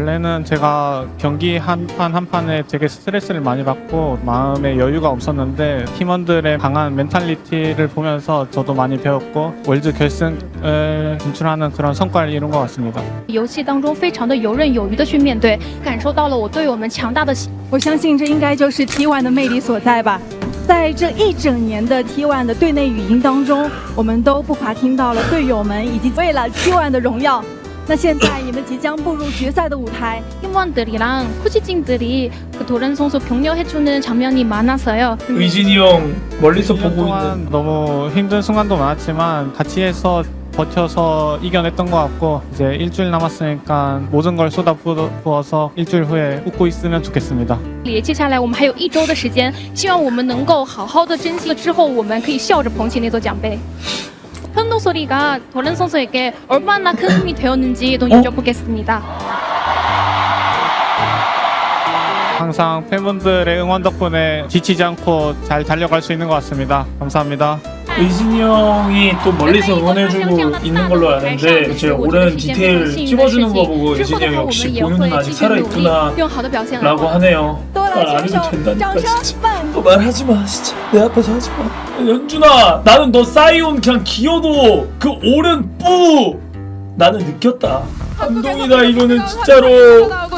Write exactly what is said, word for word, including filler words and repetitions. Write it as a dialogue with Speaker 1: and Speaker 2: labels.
Speaker 1: 원래는 제가 경기 한 판 한 판에 되게 스트레스를 많이 받고 마음에 여유가 없었는데 팀원들의 강한 멘탈리티를 보면서 저도 많이 배웠고 월드 결승을 진출하는 그런 성과를 이룬 것 같습니다.
Speaker 2: 游戏当中非常的游刃有余的去面对，感受到了我队友们强大的心。
Speaker 3: 我相信这应该就是 T 一 的魅力所在吧。在这一整年的 T 一 的队内语音当中，我们都不乏听到了队友们以及为了 T 一 的荣耀。那现在你们即将步入决赛的舞台，
Speaker 2: 팀원들이랑 코치진들이 그 도란 선수 격려해주는 장면이 많았어요.
Speaker 4: 의진이 형 멀리서
Speaker 1: 일 년
Speaker 4: 보고
Speaker 1: 동안
Speaker 4: 있는
Speaker 1: 너무 힘든 순간도 많았지만 같이 해서 버텨서 이겨냈던 것 같고 이제 일주일 남았으니까 모든 걸 쏟아부어서 일주일 후에 웃고 있으면 좋겠습니다.
Speaker 2: 接下来我们还有一周的时间，希望我们能够好好的珍惜，之后我们可以笑着捧起那座奖杯。 현도 소리가 도란 선수에게 얼마나 큰 힘이 되었는지도 여쭤보겠습니다.
Speaker 1: 항상 팬분들의 응원 덕분에 지치지 않고 잘 달려갈 수 있는 것 같습니다. 감사합니다.
Speaker 4: 의진이 형이 또 멀리서 응원해주고 있는 걸로 아는데 제 오랜 디테일 찍어주는 거 보고 의진이 형 역시 보는 눈 아직 살아있구나 라고 하네요. 말 안 해도 된다니까 진짜. 너 말하지마 진짜. 내 앞에서 하지마. 연준아 나는 너 사이온 그냥 기어도 그 오른 뿌 나는 느꼈다. 감동이다 이거는 진짜로.